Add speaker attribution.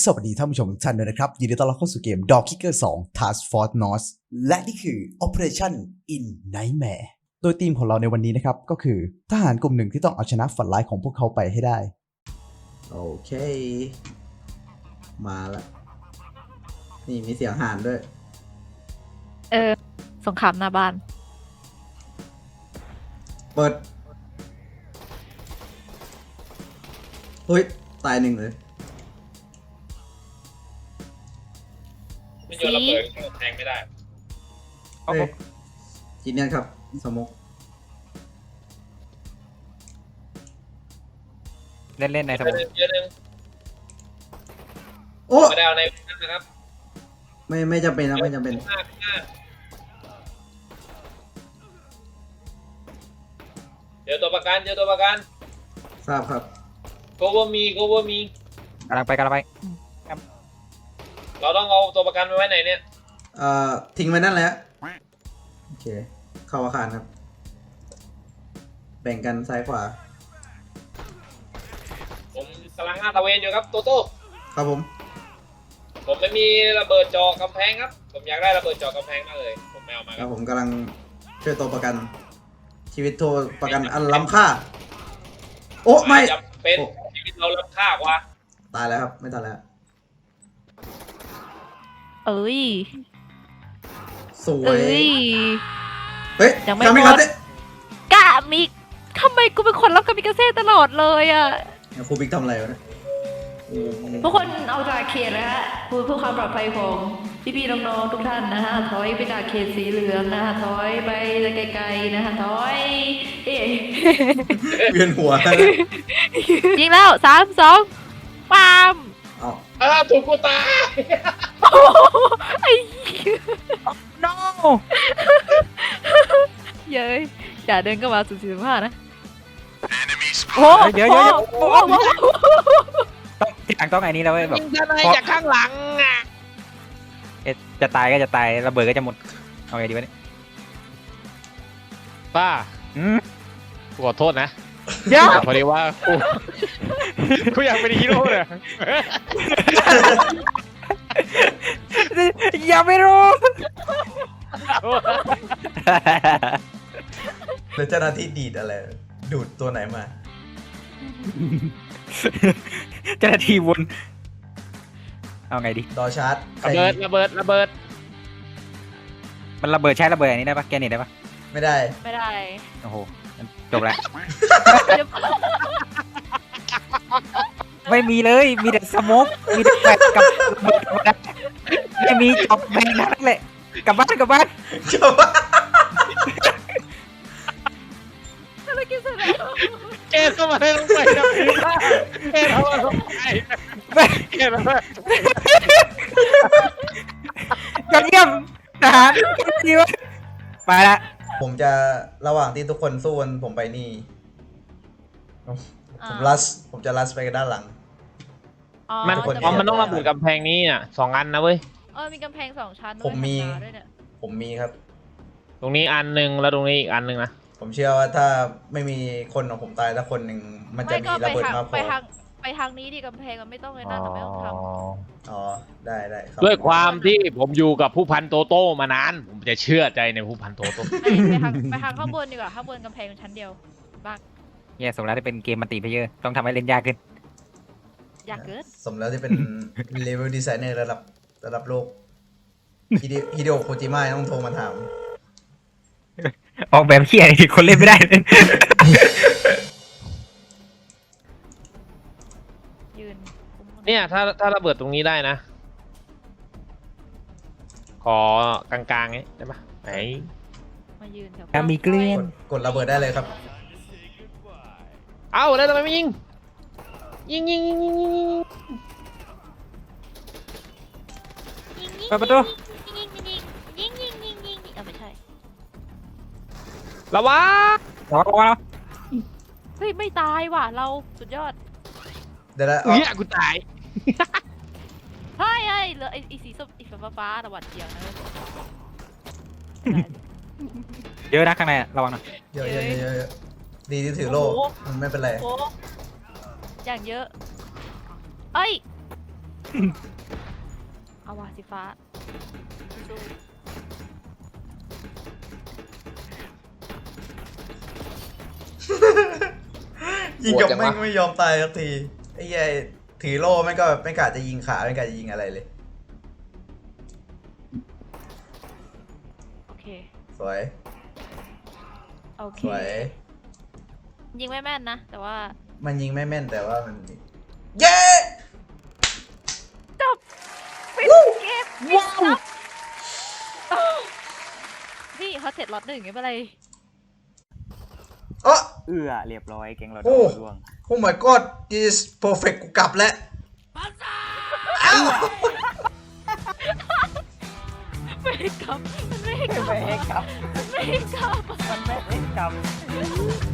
Speaker 1: สวัสดีท่านผู้ชมทุกท่านด้วยนะครับยินดีต้อนรับเข้าสู่เกม Dog Kicker 2 Task Force North และนี่คือ Operation in Nightmare โดยทีมของเราในวันนี้นะครับก็คือทหารกลุ่มหนึ่งที่ต้องเอาชนะฝันร้ายของพวกเขาไปให้ได้
Speaker 2: โอเคมาละนี่มีเสียงห่านด้วย
Speaker 3: สงครามหน้าบ้าน
Speaker 2: เปิดเฮ้ยตายหนึ่งเลย
Speaker 4: ไม่โยนระเบิดแทงไม่ได้
Speaker 2: เฮ้ยจีเนียนครับสมก
Speaker 5: เล่นในสมุด
Speaker 4: เยอะนึง
Speaker 2: โอ้
Speaker 4: ไม่ได้เอาในนั้นนะครับ
Speaker 2: ไม่จำเป็นนะไม่จำเป็น
Speaker 4: เจอตัวประกัน
Speaker 2: ทราบครับ
Speaker 4: โกว่ามี
Speaker 5: กำลังไป
Speaker 4: เราต้องเอาตัวประกันไปไว้ไหนเนี่ย
Speaker 2: ทิ้งไว้นั่นแหละโอเคเข้าอาคารครับแบ่งกันซ้ายขวา
Speaker 4: ผมกำลังลาดตระเวนอยู่ครับโตโต้
Speaker 2: ครับผม
Speaker 4: ผมไม่มีระเบิดเจาะกำแพงครับผมอยากได้ระเบิดเจาะกำแพงมากเลยผมไม่เอามา
Speaker 2: ค
Speaker 4: ค
Speaker 2: รั
Speaker 4: รั
Speaker 2: บบ ผมกำลังช่วยตัวประกัน ชีวิตตัวประกันอันล้ำค่าโอ้ไม่
Speaker 4: จะเป็นชีวิตเราล้ำค่ากว่า
Speaker 2: ตายแล้วครับไม่ตายแล้ว
Speaker 3: เอ้ย
Speaker 2: สว
Speaker 3: เอ้
Speaker 2: ย
Speaker 3: ย
Speaker 2: เฮ้ย
Speaker 3: ยังไม่
Speaker 2: ทำ
Speaker 3: หมด
Speaker 2: ครับเนี่ย
Speaker 3: กะมิทำไมกูเป็นคนรับกามิกาเซ่ตลอดเลยอ่ะ
Speaker 2: ครูบิ๊กทำอะไรวะเนี่ย
Speaker 3: ทุกคนเอาจากเขตนะฮะเพื่อความปลอดภัยของพี่ๆน้องๆทุกท่านนะฮะถอยไปจากเขตสีเหลืองนะฮะถอยไปไกลๆนะฮะถอยเอ๊ะ
Speaker 2: เวียนหัว
Speaker 3: ยิงแล้ว3-2ปาม
Speaker 2: เอา
Speaker 4: ถูกกูตาย
Speaker 3: โอ้โหไอ้เหี้ย
Speaker 5: โน้
Speaker 3: เย้ยอย่าเดินเข้ามาสู่45นะโอ้
Speaker 5: เดี๋ยว
Speaker 3: โอ้
Speaker 5: ต้องที่หลังต้องไอ้นี้แล้วเว้ยแบบ
Speaker 4: ยิงทนายจากข้างหลังอ่ะ
Speaker 5: จะตายก็จะตายระเบิดก็จะหมดเอาไงดีวะเนี่ย
Speaker 6: ป้า ขอโทษนะ
Speaker 5: เดี๋ยว
Speaker 6: พอดีว่ากูอยากเป็นฮีโร่เลย
Speaker 5: อย่าไม่รู้
Speaker 2: แล้วเจ้าหน้าที่ดีดอะไรดูดตัวไหนมา
Speaker 5: เจ้าหน้าที่วนเอาไงดี
Speaker 2: ดอชาร์จ
Speaker 6: ระเบิด
Speaker 5: มันระเบิดใช้ระเบิดอันนี้ได้ปะแกนี่ได้ปะ
Speaker 2: ไม่ได้
Speaker 3: ไม่ได้
Speaker 5: โอ้โหจบแล้ว
Speaker 3: เดี๋ยว
Speaker 5: ไม่มีเลยมีแต่สโมกมีแต่แฟลชกับระเบิดธรรมดาไม่มีจบแม่งนั่นแหละกลับบ้าน
Speaker 3: อะไรกินเสร็จแล้ว
Speaker 6: แกเข้ามาได้ลงไปนะแกเข้ามาลงไปแกเข้ามา
Speaker 5: ยอดเยี่ยมทหารดีวะไปละ
Speaker 2: ผมจะระหว่างที่ทุกคนสู้กันผมไปนี่ ผมจะลัสไปกันด้านหลัง
Speaker 6: มัน
Speaker 2: ทุกคน
Speaker 6: มันต้องระเบิดกำแพงนี้อ่ะ2 อันนะเว้ย
Speaker 3: มีกำแพง2 ชั้นด้วย
Speaker 2: ผมมี
Speaker 3: ธรรดาด้วยเนี่ย
Speaker 2: ผมมีครับ
Speaker 6: ตรงนี้อันหนึ่งแล้วตรงนี้อีกอันหนึ่งนะ
Speaker 2: ผมเชื่อว่าถ้าไม่มีคนของผมตายสักคนหนึ่งมันจะมีระเบิดมากพอ
Speaker 3: ไปทางนี้ดิกำแพงมันไม่ต้องเลยนั่นไม่ต้องทำ
Speaker 2: อ๋อได้ครับ
Speaker 6: ด้วยความที่ผมอยู่กับผู้พันโตโต้มานาน ผมจะเชื่อใจในผู้พันโตโต้
Speaker 3: ไปทางข้างบนดีกว่าข้างบนกำแพงชั้นเดียวบ้าง
Speaker 5: เนี่ยสมแล้วที่เป็นเกมมัลติเพลเยอร์ต้องทำให้เล่นยากขึ้น
Speaker 3: อยากเกิด
Speaker 2: สมแล้วที่เป็น เลเวลดีไซเนอร์ระดับโลกฮิเดโอโคจิมะต้องโทรมาถาม
Speaker 5: ออกแบบเขี้ยที่คนเล่นไม่ได้เลย
Speaker 3: ยืน
Speaker 6: เนี่ยถ้าระเบิดตรงนี้ได้นะ ขอกลางๆนี้ได้ปะไหน
Speaker 3: มายืนแถว
Speaker 5: ถ้ามีเกลี้ยง
Speaker 2: กดระเบิดได้เลยครับ
Speaker 6: เอ้าแล้วทำไมไม่ยิงยิง
Speaker 5: เปิดประตู
Speaker 3: ยิงไม่ใช่
Speaker 6: ระวัง
Speaker 5: ระวัง
Speaker 3: เฮ้ยไม่ตายว่ะเราสุดยอด
Speaker 2: เดี๋ยวนะ
Speaker 6: กูตาย
Speaker 3: เฮ้ยเหลือไอ้สีส้มไอ้ฟ้าตะวันเดียวนะ
Speaker 5: เยอะนะข้างในระวังหน่อย
Speaker 2: เยอะดีที่ถือโล่มันไม่เป็นไร
Speaker 3: โอ้อย่างเยอะเอ้ยเอาว่ะสีฟ้าสู้
Speaker 2: ยิงกับแม่งไม่ยอมตายสักทีไอ้เหี้ยถือโล่แม่งก็แบบไม่กะจะยิงขาไม่กะจะยิงอะไรเลย
Speaker 3: โอเค
Speaker 2: สวย
Speaker 3: โอเค
Speaker 2: สวย
Speaker 3: ยิงไม่แม่นนะ แต่ว่า
Speaker 2: มันยิงไม่แม่นแต่ว่ามันเย้
Speaker 3: จบปิดเกมปิดครับพี่เขาเสร็จล็อตหนึ่งไม่เป็นไร
Speaker 2: เอ้อ
Speaker 5: เรียบร้อยแกงเราโด
Speaker 2: โอ้
Speaker 5: นร่วง
Speaker 2: โอ้ my god is perfect กูกลับแล้วอ้าว
Speaker 3: ไม่ให้กลับมันไม่ให้กลับ
Speaker 5: ไม่ให้กลับ
Speaker 3: มันไม่ให้กลับ
Speaker 5: มันไม่ให้กลับ